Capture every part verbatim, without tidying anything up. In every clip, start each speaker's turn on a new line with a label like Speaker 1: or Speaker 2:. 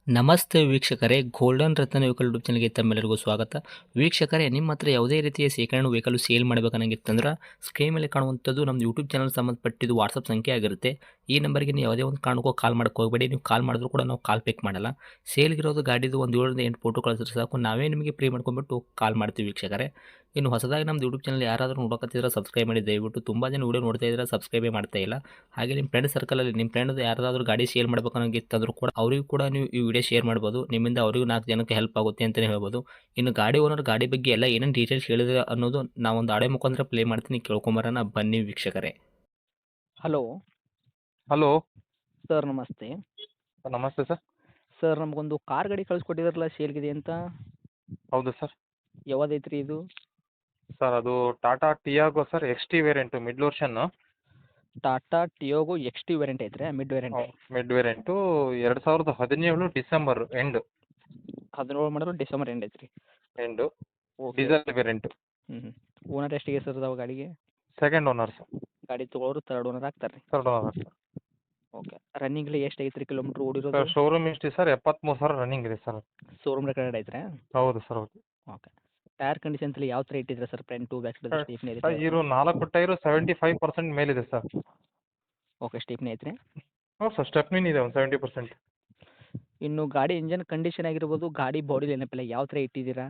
Speaker 1: ನಮಸ್ತೆ ವೀಕ್ಷಕರೇ, ಗೋಲ್ಡನ್ ರತ್ನ vehicle YouTube ಚಾನಲ್ಗೆ ತಮ್ಮೆಲ್ಲರಿಗೂ ಸ್ವಾಗತ. ವೀಕ್ಷಕರೇ, ನಿಮ್ಮ ಹತ್ರ ಯಾವುದೇ ರೀತಿಯ ಶೇಖರಣೆ ವೆಹಿಕಲ್ ಸೇಲ್ ಮಾಡಬೇಕನ್ನಂಗಿತ್ತಂದ್ರೆ ಸ್ಕ್ರೀನ್ ಮೇಲೆ ಕಾಣುವಂಥದ್ದು ನಮ್ಮ ಯೂಟ್ಯೂಬ್ ಚಾನಲ್ ಸಂಬಂಧಪಟ್ಟಿದ್ದು ವಾಟ್ಸಪ್ ಸಂಖ್ಯೆ ಆಗಿರುತ್ತೆ. ಈ ನಂಬರ್ಗೆ ನೀವು ಯಾವುದೇ ಒಂದು ಕಾರಣಕ್ಕೂ ಕಾಲ್ ಮಾಡಕ್ಕೆ ಹೋಗಬೇಡಿ. ನೀವು ಕಾಲ್ ಮಾಡಿದ್ರು ಕೂಡ ನಾವು ಕಾಲ್ ಪಿಕ್ ಮಾಡಲ್ಲ. ಸೇಲ್ಗಿರೋದು ಗಾಡಿದು ಒಂದು ಏಳರಿಂದ ಎಂಟು ಫೋಟೋ ಕಳಿಸಿದ್ರೆ ಸಾಕು, ನಾವೇ ನಿಮಗೆ ಪ್ರೀ ಮಾಡ್ಕೊಂಡ್ಬಿಟ್ಟು ಕಾಲ್ ಮಾಡ್ತೀವಿ ವೀಕ್ಷಕರೇ. ಇನ್ನು ಹೊಸದಾಗಿ ನಮ್ಮದು ಯೂಟ್ಯೂಬ್ ಚಾನಲ್ ಯಾರಾದರೂ ನೋಡೋಕತ್ತಿದ್ರೆ ಸಬ್ಸ್ಕ್ರೈಬ್ ಮಾಡಿ ದಯವಿಟ್ಟು. ತುಂಬ ಜನ ವೀಡಿಯೋ ನೋಡ್ತಾ ಇದ್ದಾರೆ, ಸಬ್ಸ್ಕ್ರೈಬೇ ಮಾಡ್ತಾ ಇಲ್ಲ. ಹಾಗೆ ನಿಮ್ಮ ಫ್ರೆಂಡ್ ಸರ್ಕಲಲ್ಲಿ ನಿಮ್ಮ ಫ್ರೆಂಡ್ ಯಾರಾದರೂ ಗಾಡಿ ಸೇಲ್ ಮಾಡಬೇಕನ್ನೋಂಗಿತ್ತಂದ್ರೂ ಕೂಡ ಅವರಿಗೂ ಕೂಡ ನೀವು ಈ ವಿಡಿಯೋ ಶೇರ್ ಮಾಡ್ಬೋದು. ನಿಮ್ಮಿಂದ ಅವರಿಗೂ ನಾಲ್ಕು ಜನಕ್ಕೆ ಹೆಲ್ಪ್ ಆಗುತ್ತೆ ಅಂತಲೇ ಹೇಳ್ಬೋದು. ಇನ್ನು ಗಾಡಿ ಓನರ್ ಗಾಡಿ ಬಗ್ಗೆ ಎಲ್ಲ ಏನೇನು ಡೀಟೇಲ್ಸ್ ಹೇಳಿದ್ರೆ ಅನ್ನೋದು ನಾವೊಂದು ಆಡೆ ಮುಖಾಂತರ ಪ್ಲೇ ಮಾಡ್ತೀನಿ, ಕೇಳ್ಕೊಂಬರೋಣ ಬನ್ನಿ ವೀಕ್ಷಕರೇ.
Speaker 2: ಹಲೋ
Speaker 3: ಹಲೋ
Speaker 2: ಸರ್, ನಮಸ್ತೆ.
Speaker 3: ನಮಸ್ತೆ ಸರ್.
Speaker 2: ಸರ್, ನಮಗೊಂದು ಕಾರ್ ಗಾಡಿ ಕಳಿಸ್ಕೊಟ್ಟಿದ್ರಲ್ಲ ಸೇಲ್ಗಿದೆ ಅಂತ,
Speaker 3: ಹೌದು ಸರ್.
Speaker 2: ಯಾವ್ದೈತ್ರಿ ಇದು?
Speaker 3: ಸರ್ ಅದು Tata Tiago sir, X T variant, mid version.
Speaker 2: Tata Tiago X T variant ಐತ್ರಿ, ಮಿಡ್ ವೇರಿಯಂಟ್?
Speaker 3: ಮಿಡ್ ವೇರಿಯಂಟು ಎರಡು ಸಾವಿರದ ಹದಿನೇಳು ಡಿಸೆಂಬರ್ ಎಂಡ್
Speaker 2: ಹದಿನೇಳು ಮಾಡಲು ಡಿಸೆಂಬರ್ ಎಂಡ್ ಐತ್ರಿ.
Speaker 3: End
Speaker 2: okay.
Speaker 3: Diesel variant.
Speaker 2: ಹ್ಞೂ ಹ್ಞೂ ಓನರ್ ಎಷ್ಟಿಗೆ ಸರ್ ಅದಾವ ಗಾಡಿಗೆ?
Speaker 3: Second owner sir.
Speaker 2: ಗಾಡಿ ತೊಗೊಳೋರು ತರ್ಡ್ ಓನರ್ ಆಗ್ತಾರೆ ರೀ?
Speaker 3: Third owner sir.
Speaker 2: ಓಕೆ. ರನ್ನಿಂಗ್ಲಿ ಎಷ್ಟು ಐತ್ರಿ ಕಿಲೋಮೀಟ್ರ್ ಓಡಿರೋದು?
Speaker 3: ಸರ್ ಶೋರೂಮ್ ಇಷ್ಟು ಸರ್ ಎಪ್ಪತ್ತ್ಮೂರು ಸಾವಿರ ರನ್ನಿಂಗ್ ಇದೆ ಸರ್.
Speaker 2: ಶೋರೂಮ್ ರೆಕಾರ್ಡ್ ಐತ್ರಿ?
Speaker 3: ಹೌದು ಸರ್, ಹೌದು.
Speaker 2: ಓಕೆ. ಟೈರ್ ಕಂಡೀಷನ್ಸಲ್ಲಿ ಯಾವ ಥರ ಇಟ್ಟಿದ್ರೆ sir? Front back side stepney
Speaker 3: sir
Speaker 2: ಐತ್ರಿ?
Speaker 3: ಇರೋ ನಾಲ್ಕು ಟೈರು ಸೆವೆಂಟಿ ಫೈವ್ ಪರ್ಸೆಂಟ್ ಮೇಲಿದೆ ಸರ್.
Speaker 2: ಓಕೆ, ಸ್ಟೀಪ್ನಿ ಐತ್ರಿ?
Speaker 3: ಹ್ಞೂ ಸರ್, ಸ್ಟೆಪ್ನಿನ್ ಇದೆ ಒಂದು ಸೆವೆಂಟಿ ಪರ್ಸೆಂಟ್.
Speaker 2: ಇನ್ನು ಗಾಡಿ ಇಂಜನ್ ಕಂಡೀಷನ್ ಆಗಿರ್ಬೋದು, ಗಾಡಿ ಬಾಡಿ ನೆನಪಿಲ್ಲ ಯಾವ ಥರ ಇಟ್ಟಿದ್ದೀರಾ?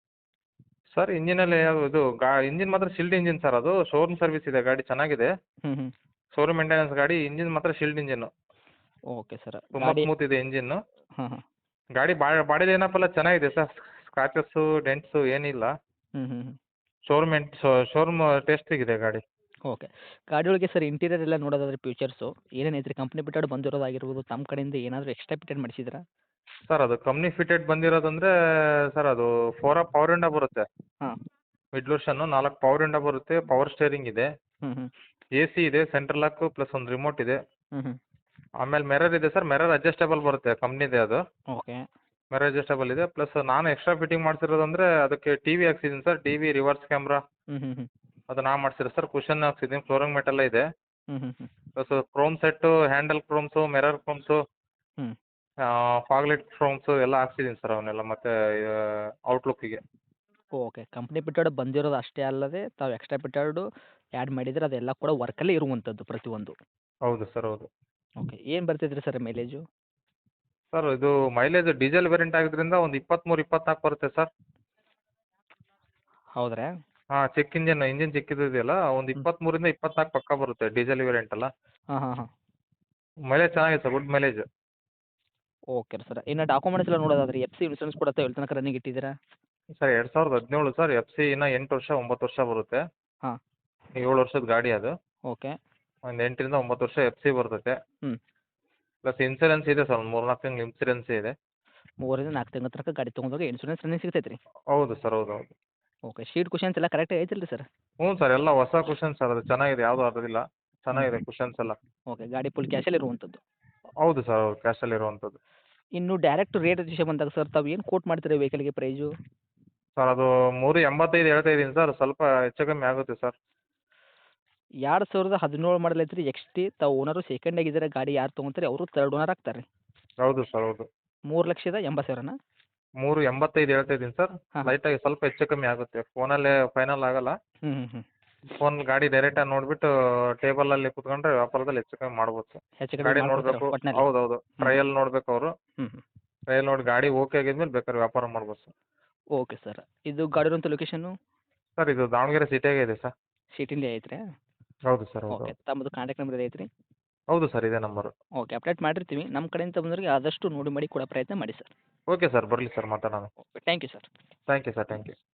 Speaker 3: ಸರ್ ಇಂಜಿನಲ್ಲಿ ಇದು ಗಾ ಇಂಜಿನ್ ಮಾತ್ರ ಶಿಲ್ಡ್ ಇಂಜಿನ್ ಸರ್. ಅದು ಶೋರೂಮ್ ಸರ್ವಿಸ್ ಇದೆ, ಗಾಡಿ ಚೆನ್ನಾಗಿದೆ.
Speaker 2: ಹ್ಞೂ ಹ್ಞೂ
Speaker 3: ಶೋರೂಮ್ ಮೇಂಟೆನೆನ್ಸ್ ಗಾಡಿ. ಇಂಜಿನ್ ಮಾತ್ರ ಶಿಲ್ಡ್ ಇಂಜಿನ್ನು,
Speaker 2: ಓಕೆ ಸರ್.
Speaker 3: ತುಂಬ
Speaker 2: ಗಾಡಿ
Speaker 3: ಸ್ಮೂತ್ ಇದೆ ಇಂಜಿನ್ನು.
Speaker 2: ಹಾಂ ಹಾಂ
Speaker 3: ಗಾಡಿ ಬಾ ಬಾಡಿ ಏನಪ್ಪಲ್ಲ ಚೆನ್ನಾಗಿದೆ ಸರ್. ಸ್ಕ್ರಾಚಸ್ಸು ಡೆಂಟ್ಸು ಏನಿಲ್ಲ.
Speaker 2: ಹ್ಞೂ ಹ್ಞೂ ಹ್ಞೂ
Speaker 3: ಶೋರೂಮ್ ಎಂಟ್ ಶೋರೂಮ್ ಟೆಸ್ಟಿಗಿದೆ ಗಾಡಿ.
Speaker 2: ಓಕೆ. ಗಾಡಿ ಒಳಗೆ ಸರ್ ಇಂಟೀರಿಯರ್ ಎಲ್ಲ ನೋಡೋದಾದ್ರೆ ಫೀಚರ್ಸು ಏನೇನು ಐತ್ರಿ? ಕಂಪ್ನಿ ಬಿಟ್ಟಾಡು ಬಂದಿರೋದಾಗಿರ್ಬೋದು, ತಮ್ಮ ಕಡೆಯಿಂದ ಏನಾದರೂ ಎಕ್ಸ್ಟ್ರಾ ಫಿಟೆಡ್ ಮಾಡಿಸಿದ್ರಾ?
Speaker 3: ಸರ್ ಅದು ಕಂಪ್ನಿ ಫಿಟೆಡ್ ಬಂದಿರೋದಂದರೆ ಸರ್ ಅದು ಫೋರ್ ಅಪ್ ಪವರ್ ವಿಂಡೋ ಬರುತ್ತೆ.
Speaker 2: ಹಾಂ.
Speaker 3: ಮಿಡ್ ವರ್ಷನ್ನು ನಾಲ್ಕು ಪವರ್ ವಿಂಡೋ ಬರುತ್ತೆ. ಪವರ್ ಸ್ಟೇರಿಂಗ್ ಇದೆ.
Speaker 2: ಹ್ಞೂ ಹ್ಞೂ
Speaker 3: ಎ ಸಿ ಇದೆ, ಸೆಂಟ್ರಲ್ ಲಾಕು ಪ್ಲಸ್ ಒಂದು ರಿಮೋಟ್ ಇದೆ.
Speaker 2: ಹ್ಞೂ ಹ್ಞೂ
Speaker 3: ಆಮೇಲೆ ಮಿರರ್ ಇದೆ ಸರ್. ಮಿರರ್ ಅಡ್ಜಸ್ಟೇಬಲ್ ಬರುತ್ತೆ, ಕಂಪ್ನಿದೆ ಅದು.
Speaker 2: ಓಕೆ.
Speaker 3: ಮಿರರ್ ಅಡ್ಜಸ್ಟೇಬಲ್ ಇದೆ. ಪ್ಲಸ್ ನಾನು ಎಕ್ಸ್ಟ್ರಾ ಫಿಟ್ಟಿಂಗ್ ಮಾಡಿಸಿರೋದಂದರೆ ಅದಕ್ಕೆ ಟಿ ವಿ ಹಾಕ್ಸಿದ್ದೀನಿ sir. T V, reverse camera
Speaker 2: ಹ್ಞೂ ಹ್ಞೂ ಹ್ಞೂ
Speaker 3: ಅದು ನಾ ಮಾಡಿಸಿರೋದು ಸರ್. ಕುಷನ್ ಹಾಕ್ಸಿದ್ದೀನಿ, ಫ್ಲೋರಿಂಗ್ ಮೆಟ್ ಎಲ್ಲ ಇದೆ.
Speaker 2: ಹ್ಞೂ ಹ್ಞೂ ಹ್ಞೂ
Speaker 3: plus chrome set, handle chromes, mirror chromes,
Speaker 2: ಹ್ಞೂ
Speaker 3: ಫಾಗ್ಲೆಟ್ ಕ್ರೋಮ್ಸು ಎಲ್ಲ ಹಾಕ್ಸಿದ್ದೀನಿ ಸರ್ ಅವನ್ನೆಲ್ಲ, ಮತ್ತು ಔಟ್ಲುಕ್ಕಿಗೆ.
Speaker 2: ಓಕೆ. ಕಂಪ್ನಿ ಬಿಟ್ಟಾಡು ಬಂದಿರೋದು ಅಷ್ಟೇ ಅಲ್ಲದೆ ತಾವು ಎಕ್ಸ್ಟ್ರಾ ಬಿಟ್ಟಾಡು ಆ್ಯಡ್ ಮಾಡಿದರೆ ಅದೆಲ್ಲ ಕೂಡ ವರ್ಕಲ್ಲೇ ಇರುವಂಥದ್ದು ಪ್ರತಿಯೊಂದು?
Speaker 3: ಹೌದು ಸರ್, ಹೌದು.
Speaker 2: ಓಕೆ. ಏನು ಬರ್ತೈತ್ರಿ ಸರ್ ಮೈಲೇಜು?
Speaker 3: ಸರ್ ಇದು ಮೈಲೇಜ್ ಡೀಸೆಲ್ ವೇರಿಯಂಟ್ ಆಗಿದ್ದರಿಂದ ಒಂದು ಇಪ್ಪತ್ತ್ಮೂರು ಇಪ್ಪತ್ನಾಲ್ಕು ಬರುತ್ತೆ ಸರ್.
Speaker 2: ಹೌದ್ರಾ?
Speaker 3: ಹಾಂ, ಚೆಕ್ ಇಂಜಿನ್ ಇಂಜಿನ್ ಚಿಕ್ಕಿದ್ದು ಇದೆಯಲ್ಲ, ಒಂದು
Speaker 2: ಹ್ಞೂ
Speaker 3: ಇಪ್ಪತ್ತ್ಮೂರಿಂದ ಇಪ್ಪತ್ನಾಲ್ಕು ಪಕ್ಕ ಬರುತ್ತೆ ಡೀಸೆಲ್ ವೇರಿಯಂಟ್ ಅಲ್ಲ.
Speaker 2: ಹಾಂ ಹಾಂ ಹಾಂ
Speaker 3: ಮೈಲೇಜ್ ಚೆನ್ನಾಗಿದೆ sir, good mileage.
Speaker 2: Okay sir. ಇನ್ನು ಡಾಕ್ಯುಮೆಂಟ್ಸ್ ಎಲ್ಲ ನೋಡೋದಾದ್ರೆ ಎಫ್ ಸಿ ಇನ್ಸೂರೆನ್ಸ್ ಕೂಡ ತಾವು ಎಲ್ಲಿ ತನಕ ರನ್ನಿಂಗ್ ಇಟ್ಟಿದ್ದೀರಾ?
Speaker 3: ಸರ್ ಎರಡು ಸಾವಿರದ ಹದಿನೇಳು ಸರ್. ಎಫ್ ಸಿ ಇನ್ನು ಎಂಟು ವರ್ಷ ಒಂಬತ್ತು ವರ್ಷ ಬರುತ್ತೆ.
Speaker 2: ಹಾಂ.
Speaker 3: ಏಳು ವರ್ಷದ ಗಾಡಿ ಅದು.
Speaker 2: ಓಕೆ.
Speaker 3: ಒಂದು ಎಂಟರಿಂದ ಒಂಬತ್ತು ವರ್ಷ ಎಫ್ ಸಿ ಬರ್ತೈತೆ.
Speaker 2: ಹ್ಞೂ.
Speaker 3: ಪ್ಲಸ್ ಇನ್ಸೂರೆನ್ಸ್ ಇದೆ ಸರ್, ಒಂದು ಮೂರು ನಾಲ್ಕು ತಿಂಗಳು ಇನ್ಸೂರೆನ್ಸ್ ಇದೆ.
Speaker 2: ಮೂರರಿಂದ ನಾಲ್ಕು ತಿಂಗಳ ತನಕ ಗಾಡಿ ತೊಗೊಂಡೋಗಿ ಇನ್ಸೂರೆನ್ಸ್ ರನ್ನಿಂಗ್ ಸಿಗ್ತೈತೆ ರೀ?
Speaker 3: ಹೌದು ಸರ್, ಹೌದು, ಹೌದು.
Speaker 2: ಓಕೆ. ಶೀಟ್ ಕುಷನ್ಸ್ ಎಲ್ಲ ಕರೆಕ್ಟಾಗಿ ಐತಲ್ಲ ರೀ ಸರ್?
Speaker 3: ಹ್ಞೂ ಸರ್, ಎಲ್ಲ ಹೊಸ ಕುಷನ್ ಸರ್. ಅದು ಚೆನ್ನಾಗಿದೆ, ಯಾವುದೂ ಅದಿಲ್ಲ.
Speaker 2: ಹ್ಞೂ
Speaker 3: ಚೆನ್ನಾಗಿದೆ ಕುಷನ್ಸ್ ಎಲ್ಲ.
Speaker 2: ಓಕೆ. ಗಾಡಿ ಫುಲ್ ಕ್ಯಾಶಲ್ಲಿ ಇರುವಂಥದ್ದು?
Speaker 3: ಹೌದು ಸರ್, ಹೌದು, ಕ್ಯಾಶಲ್ಲಿ ಇರುವಂಥದ್ದು.
Speaker 2: ಇನ್ನು ಡೈರೆಕ್ಟ್ ರೇಟ್ ವಿಷಯ ಬಂದಾಗ ಸರ್ ತಾವು ಏನು ಕೋಟ್ ಮಾಡ್ತೀರಾ ವೆಹಿಕಲ್ಗೆ ಪ್ರೈಸು?
Speaker 3: ಸರ್ ಅದು ಮೂರು ಎಂಬತ್ತೈದು ಹೇಳ್ತಾ ಇದ್ದೀನಿ ಸರ್. ಸ್ವಲ್ಪ ಹೆಚ್ಚು ಕಮ್ಮಿ ಆಗುತ್ತೆ ಸರ್.
Speaker 2: ಎರಡು ಸಾವಿರದ ಹದಿನೇಳು ಮಾಡಲ್ ಐತ್ರಿ ಎಕ್ಸ್ ಟಿ. ತಾವು ಓನರು ಸೆಕೆಂಡ್ ಆಗಿದ್ದಾರೆ. ಗಾಡಿ ಯಾರು ತೊಗೊಂತಾರೆ ಅವರು ತರ್ಡ್ ಓನರ್ ಆಗ್ತಾರೆ.
Speaker 3: ಹೌದು ಸರ್, ಹೌದು.
Speaker 2: ಮೂರು ಲಕ್ಷದ ಎಂಬತ್ತು ಸಾವಿರನಾ?
Speaker 3: ಮೂರು ಎಂಬತ್ತೈದು ಹೇಳ್ತಾ ಇದ್ದೀನಿ ಸರ್.
Speaker 2: ಹಾಂ.
Speaker 3: ಲೈಟಾಗಿ ಸ್ವಲ್ಪ ಹೆಚ್ಚು ಕಮ್ಮಿ ಆಗುತ್ತೆ. ಫೋನಲ್ಲೇ ಫೈನಲ್ ಆಗಲ್ಲ.
Speaker 2: ಹ್ಞೂ ಹ್ಞೂ ಹ್ಞೂ
Speaker 3: ಫೋನ್ ಗಾಡಿ ಡೈರೆಕ್ಟಾಗಿ ನೋಡಿಬಿಟ್ಟು ಟೇಬಲಲ್ಲಿ ಕೂತ್ಕೊಂಡ್ರೆ ವ್ಯಾಪಾರದಲ್ಲಿ ಹೆಚ್ಚು ಕಮ್ಮಿ ಮಾಡ್ಬೋದು ಸರ್.
Speaker 2: ಹೆಚ್ಚು
Speaker 3: ಗಾಡಿ
Speaker 2: ಕಡಿಮೆ
Speaker 3: ನೋಡಬೇಕು.
Speaker 2: ಮಾಡ್ಕೊಡ್ತೀರಾ ಒಟ್ಟಿನಲ್ಲಿ?
Speaker 3: ಹೌದು, ಹೌದು. ಟ್ರಯಲ್ ನೋಡಬೇಕು ಅವರು.
Speaker 2: ಹ್ಞೂ ಹ್ಞೂ
Speaker 3: ಟ್ರಯಲ್ ನೋಡಿ ಗಾಡಿ ಓಕೆ ಆಗಿದ್ಮೇಲೆ ಬೇಕಾದ್ರೆ ವ್ಯಾಪಾರ ಮಾಡ್ಬೋದು ಸರ್.
Speaker 2: Okay sir. ಇದು ಗಾಡಿ ಇರುವಂಥ ಲೊಕೇಶನ್ನು?
Speaker 3: ಸರ್ ಇದು ದಾವಣಗೆರೆ ಸಿಟಿಯಾಗೆ ಇದೆ ಸರ್.
Speaker 2: ಸಿಟಿಲಿ ಐತ್ರಿ?
Speaker 3: ಹೌದು ಸರ್, ಹೌದು,
Speaker 2: ಓಕೆ.
Speaker 3: ಹೌದು.
Speaker 2: ತಮ್ಮದು ಕಾಂಟ್ಯಾಕ್ಟ್ ನಂಬರ್ ಐತ್ರಿ?
Speaker 3: ಹೌದು ಸರ್, ಇದೇ ನಂಬರು.
Speaker 2: ಓಕೆ. ಅಪ್ಡೇಟ್ ಮಾಡಿರ್ತೀವಿ. ನಮ್ಮ ಕಡೆಯಿಂದ ಬಂದವರಿಗೆ ಆದಷ್ಟು ನೋಡಿ ಮಾಡಿ ಕೊಡೋ ಪ್ರಯತ್ನ ಮಾಡಿ ಸರ್.
Speaker 3: ಓಕೆ ಸರ್, ಬರಲಿ ಸರ್, ಮಾತಾಡೋಣ.
Speaker 2: Okay. Thank you sir.
Speaker 3: Thank you sir, thank you.